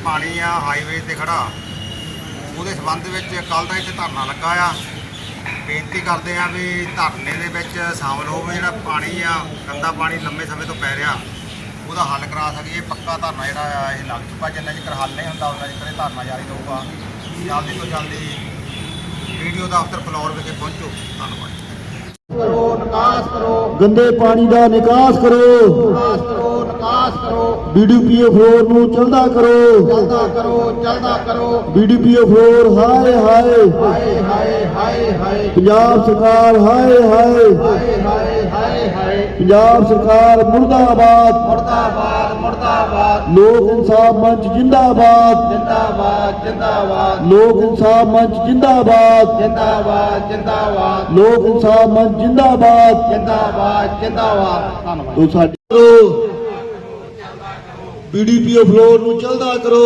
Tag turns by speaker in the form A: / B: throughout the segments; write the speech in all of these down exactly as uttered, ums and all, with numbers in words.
A: पानी आ हाईवे ते खड़ा ਉਹਦੇ ਸੰਬੰਧ ਵਿੱਚ ਕੱਲ ਦਾ ਇੱਥੇ ਧਰਨਾ ਲੱਗਾ ਆ। ਬੇਨਤੀ ਕਰਦੇ ਆ ਵੀ ਧਰਨੇ ਦੇ ਵਿੱਚ ਸ਼ਾਮਲ ਹੋਵੇ। ਜਿਹੜਾ ਪਾਣੀ ਆ ਗੰਦਾ ਪਾਣੀ ਲੰਮੇ ਸਮੇਂ ਤੋਂ ਪੈ ਰਿਹਾ ਉਹਦਾ ਹੱਲ ਕਰਾ ਸਕੀਏ। ਪੱਕਾ ਧਰਨਾ ਜਿਹੜਾ ਆ ਇਹ ਲੱਗ ਚੁੱਕਾ। ਜਿੰਨਾ ਚਿਰ ਹੱਲ ਨਹੀਂ ਹੁੰਦਾ ਉਹਨਾਂ ਚਿਰ ਇਹ ਧਰਨਾ ਜਾਰੀ ਰਹੂਗਾ। ਜਲਦੀ ਤੋਂ ਜਲਦੀ ਵੀਡੀਓ ਦਫ਼ਤਰ ਫਲੋਰ ਵਿਖੇ ਪਹੁੰਚੋ। ਧੰਨਵਾਦ। करो निकास करो
B: गंदे पानी का निकास करो
A: निकास करो निकास करो
B: बीडीपीओ फ्लोर नू चलदा करो
A: चलदा करो चलदा करो
B: बीडीपीओ फ्लोर हाय हाय
A: हाय हाय हाय हाय
B: पंजाब सरकार हाय हाय
A: हाय हाय हाय हाय
B: पंजाब सरकार मुर्दाबाद
A: मुर्दाबाद मुर्दाबाद
B: लोक इंसाफ मंच जिंदाबाद
A: जिंदाबाद जिंदाबाद
B: लोक इंसाफ मंच जिंदाबाद
A: जिंदाबाद जिंदाबाद
B: लोक इंसाफ मंच जिंदाबाद
A: जिंदाबाद जिंदाबाद धन्यवाद।
B: तो साडी बीडीपीओ फ्लोर नू चलदा करो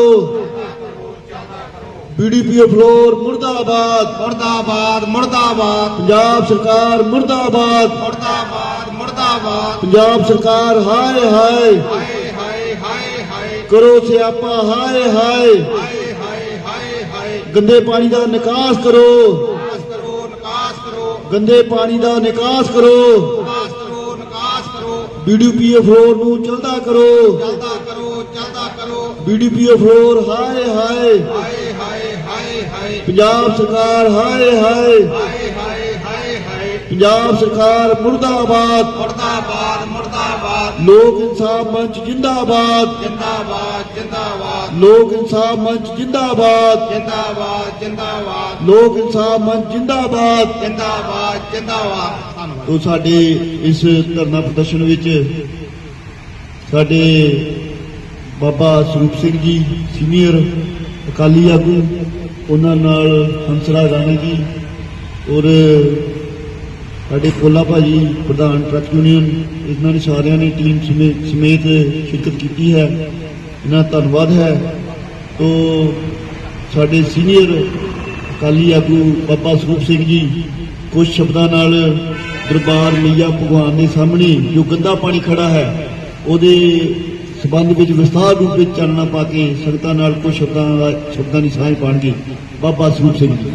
B: बीडीपीओ फ्लोर मुर्दाबाद
A: मुर्दाबाद मुर्दाबाद
B: पंजाब सरकार मुर्दाबाद
A: मुर्दाबाद मुर्दाबाद
B: पंजाब सरकार हाय हाय
A: हाय हाय हाय हाय
B: करो स्यापा हाय हाय
A: हाय हाय हाय हाय
B: गंदे पानी का निकास करो
A: निकास करो निकास करो
B: गंदे पानी का निकास करो
A: निकास करो निकास करो
B: बीडीपीओ फ्लोर नू चलदा करो
A: चलदा करो चलदा करो
B: बीडीपीओ फ्लोर हाय हाय
A: हाय हाय हाय हाय
B: पंजाब सरकार हाय हाय
A: हाय हाय हाय हाय
B: पंजाब सरकार मुर्दाबाद
A: मुर्दाबाद मुर्दाबाद
B: लोक इंसाफ मंच जिंदाबाद
A: जिंदाबाद जिंदाबाद
B: लोक इंसाफ मंच जिंदाबाद
A: जिंदाबाद जिंदाबाद
B: लोक इंसाफ मंच जिंदाबाद
A: जिंदाबाद जिंदाबाद धन्यवाद।
B: तो साडे इस धरना प्रदर्शन विच साडे बाबा सरूप सिंह जी सीनियर अकाली आगू उन्हां नाल हंसराज राणा जी और साडे पोला भाजी प्रधान ट्रक यूनियन इन्हां ने सारिਆਂ ने टीम समेत समेत शिरकत की है। इन्हां धन्नवाद है। तो साडे सीनियर अकाली आगू बाबा सरूप सिंह जी कुछ शब्दां नाल दरबार मैया भगवान के सामने जो गंदा पानी खड़ा है ਉਹਦੇ संबंध में विस्तार रूप में चानना पा के संगतां नाल कुछ शब्दां शब्दां की साझ पाणगे। बाबा सरूप सिंह जी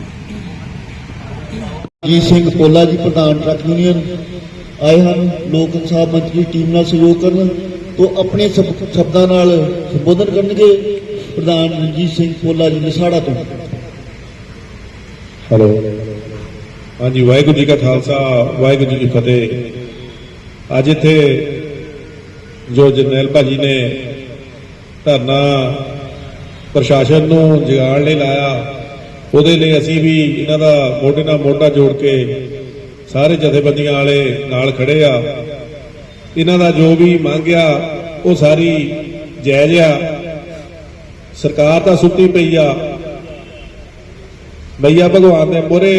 B: जी सिंह पोला जी प्रधान ट्रक यूनियन आए हैं। लोक इंसाफ मंच की टीम नाल सहयोग करन तो अपने सब शब्दां नाल संबोधन करनगे। प्रधान रंजीत सिंह पोला जी लसाड़ा तो।
C: हेलो हाँ जी, वाहिगुरू जी का खालसा वाहिगुरू जी की फतेह। अज इत्थे जो जरनैल भाजी ने धरना प्रशासन नूं जगाउण लई लाया ਉਹਦੇ ਲਈ ਅਸੀਂ ਵੀ ਇਹਨਾਂ ਦਾ ਮੋਢੇ ਨਾਲ ਮੋਢਾ ਜੋੜ ਕੇ ਸਾਰੇ ਜਥੇਬੰਦੀਆਂ ਵਾਲੇ ਨਾਲ ਖੜੇ ਆ। ਇਹਨਾਂ ਦਾ ਜੋ ਵੀ ਮੰਗਿਆ ਉਹ ਸਾਰੀ ਜਾਇਜ਼ ਆ। ਸਰਕਾਰ ਤਾਂ ਸੁੱਤੀ ਪਈ ਆ। ਮਈਆ ਭਗਵਾਨ ਦੇ ਮੋਹਰੇ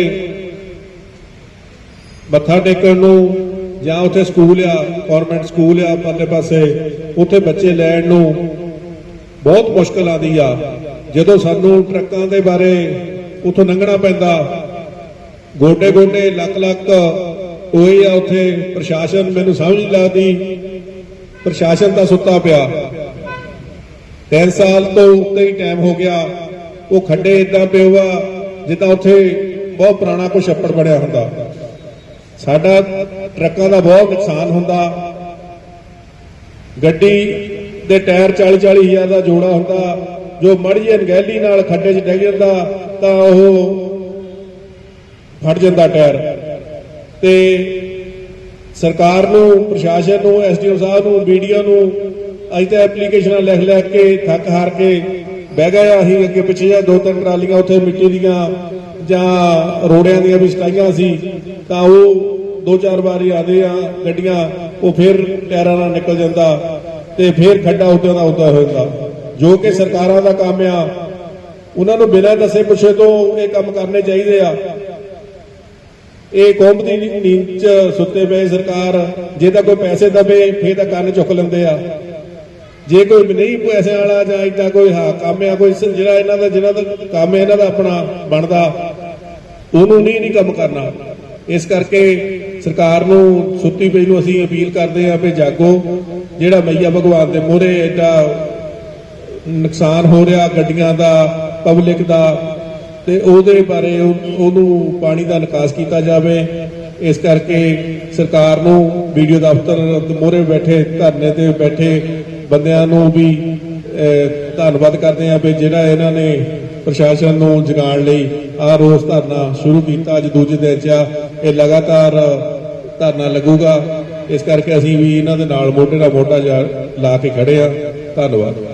C: ਮੱਥਾ ਟੇਕਣ ਨੂੰ ਜਾਂ ਉੱਥੇ ਸਕੂਲ ਆ, ਗੌਰਮੈਂਟ ਸਕੂਲ ਆ ਪਰਲੇ ਪਾਸੇ, ਉੱਥੇ ਬੱਚੇ ਲੈਣ ਨੂੰ ਬਹੁਤ ਮੁਸ਼ਕਲ ਆਉਂਦੀ ਆ। ਜਦੋਂ ਸਾਨੂੰ ਟਰੱਕਾਂ ਦੇ ਬਾਰੇ ਉੱਥੋਂ ਲੰਘਣਾ ਪੈਂਦਾ, ਗੋਡੇ ਗੋਡੇ ਲੱਕ ਲੱਕ ਹੋਏ ਆ ਉੱਥੇ। ਪ੍ਰਸ਼ਾਸਨ ਮੈਨੂੰ ਸਮਝ ਨਹੀਂ ਲੱਗਦੀ, ਪ੍ਰਸ਼ਾਸਨ ਤਾਂ ਸੁੱਤਾ ਪਿਆ। ਤਿੰਨ ਸਾਲ ਤੋਂ ਉੱਤੇ ਹੀ ਟਾਈਮ ਹੋ ਗਿਆ। ਉਹ ਖੱਡੇ ਇਦਾਂ ਪਿਓ ਆ ਜਿੱਦਾਂ ਉੱਥੇ ਬਹੁਤ ਪੁਰਾਣਾ ਕੋਈ ਛੱਪੜ ਬਣਿਆ ਹੁੰਦਾ। ਸਾਡਾ ਟਰੱਕਾਂ ਦਾ ਬਹੁਤ ਨੁਕਸਾਨ ਹੁੰਦਾ। ਗੱਡੀ ਦੇ ਟਾਇਰ ਚਾਲੀ ਚਾਲੀ ਹਜ਼ਾਰ ਦਾ ਜੋੜਾ ਹੁੰਦਾ। ਜੋ ਮੜੀ ਜਿਹੀ ਅਣਗਹਿਲੀ ਨਾਲ ਖੱਡੇ 'ਚ ਡਿੱਗ ਜਾਂਦਾ ਤਾਂ ਉਹ ਫਟ ਜਾਂਦਾ ਟਾਇਰ। ਤੇ ਸਰਕਾਰ ਨੂੰ, ਪ੍ਰਸ਼ਾਸਨ ਨੂੰ, ਐਸਡੀਓ ਸਾਹਿਬ ਨੂੰ, ਬੀਡੀਓ ਨੂੰ ਅੱਜ ਤਾਂ ਐਪਲੀਕੇਸ਼ਨਾਂ ਲਿਖ ਲਿਖ ਕੇ ਥੱਕ ਹਾਰ ਕੇ ਬਹਿ ਗਏ। ਅਸੀਂ ਅੱਗੇ ਪਿੱਛੇ ਜਾਂ ਦੋ ਤਿੰਨ ਟਰਾਲੀਆਂ ਉੱਥੇ ਮਿੱਟੀ ਦੀਆਂ ਜਾਂ ਰੋੜਿਆਂ ਦੀਆਂ ਵੀ ਸਟਾਈਆਂ ਸੀ ਤਾਂ ਉਹ ਦੋ ਚਾਰ ਵਾਰੀ ਆਦੇ ਆ ਗੱਡੀਆਂ, ਉਹ ਫਿਰ ਟਾਇਰਾਂ ਨਾਲ ਨਿਕਲ ਜਾਂਦਾ ਤੇ ਫਿਰ ਖੱਡਾ ਉੱਦਾਂ ਦਾ ਉੱਦਾਂ ਹੋ ਜਾਂਦਾ। ਜੋ ਕਿ ਸਰਕਾਰਾਂ ਦਾ ਕੰਮ ਆ, ਉਹਨਾਂ ਨੂੰ ਬਿਨਾਂ ਦੱਸੇ ਪੁੱਛੇ ਤੋਂ ਇਹ ਕੰਮ ਕਰਨੇ ਚਾਹੀਦੇ ਆ। ਇਹ ਕੌਮ ਦੀ ਨੀਂਦ 'ਚ ਸੁੱਤੇ ਪਏ ਸਰਕਾਰ ਜੇ ਤਾਂ ਕੋਈ ਪੈਸੇ ਦਵੇ ਫਿਰ ਤਾਂ ਕੰਨ ਚੁੱਕ ਲੈਂਦੇ ਆ। ਜੇ ਕੋਈ ਨਹੀਂ ਪੈਸੇ ਵਾਲਾ ਜਾਂ ਇਦਾਂ ਕੋਈ ਹਾਂ ਕੰਮ ਆ, ਕੋਈ ਜਿਹੜਾ ਇਹਨਾਂ ਦਾ ਜਿਹਨਾਂ ਦਾ ਕੰਮ ਇਹਨਾਂ ਦਾ ਆਪਣਾ ਬਣਦਾ, ਉਹਨੂੰ ਨਹੀਂ ਨਹੀਂ ਕੰਮ ਕਰਨਾ। ਇਸ ਕਰਕੇ ਸਰਕਾਰ ਨੂੰ ਸੁੱਤੀ ਪਈ ਨੂੰ ਅਸੀਂ ਅਪੀਲ ਕਰਦੇ ਹਾਂ ਵੀ ਜਾਗੋ। ਜਿਹੜਾ ਮਈਆ ਭਗਵਾਨ ਦੇ ਮੂਹਰੇ ਐਡਾ ਨੁਕਸਾਨ ਹੋ ਰਿਹਾ ਗੱਡੀਆਂ ਦਾ, ਪਬਲਿਕ ਦਾ, ਤੇ ਉਹਦੇ ਬਾਰੇ ਉਹ- ਉਹਨੂੰ ਪਾਣੀ ਦਾ ਨਿਕਾਸ ਕੀਤਾ ਜਾਵੇ। ਇਸ ਕਰਕੇ ਸਰਕਾਰ ਨੂੰ ਵੀਡੀਓ ਦਫ਼ਤਰ ਮੋਹਰੇ ਬੈਠੇ ਧਰਨੇ ਤੇ ਬੈਠੇ ਬੰਦਿਆਂ ਨੂੰ ਵੀ ਅਹ, ਧੰਨਵਾਦ ਕਰਦੇ ਹਾਂ ਵੀ ਜਿਹੜਾ ਇਹਨਾਂ ਨੇ ਪ੍ਰਸ਼ਾਸਨ ਨੂੰ ਜਗਾਉਣ ਲਈ ਆਹ ਰੋਸ ਧਰਨਾ ਸ਼ੁਰੂ ਕੀਤਾ। ਅੱਜ ਦੂਜੇ ਦਿਨ 'ਚ ਆ, ਇਹ ਲਗਾਤਾਰ ਧਰਨਾ ਲੱਗੂਗਾ। ਇਸ ਕਰਕੇ ਅਸੀਂ ਵੀ ਇਹਨਾਂ ਦੇ ਨਾਲ ਮੋਢੇ ਨਾਲ ਮੋਢਾ ਜਾ ਲਾ ਕੇ ਖੜੇ ਆ। ਧੰਨਵਾਦ।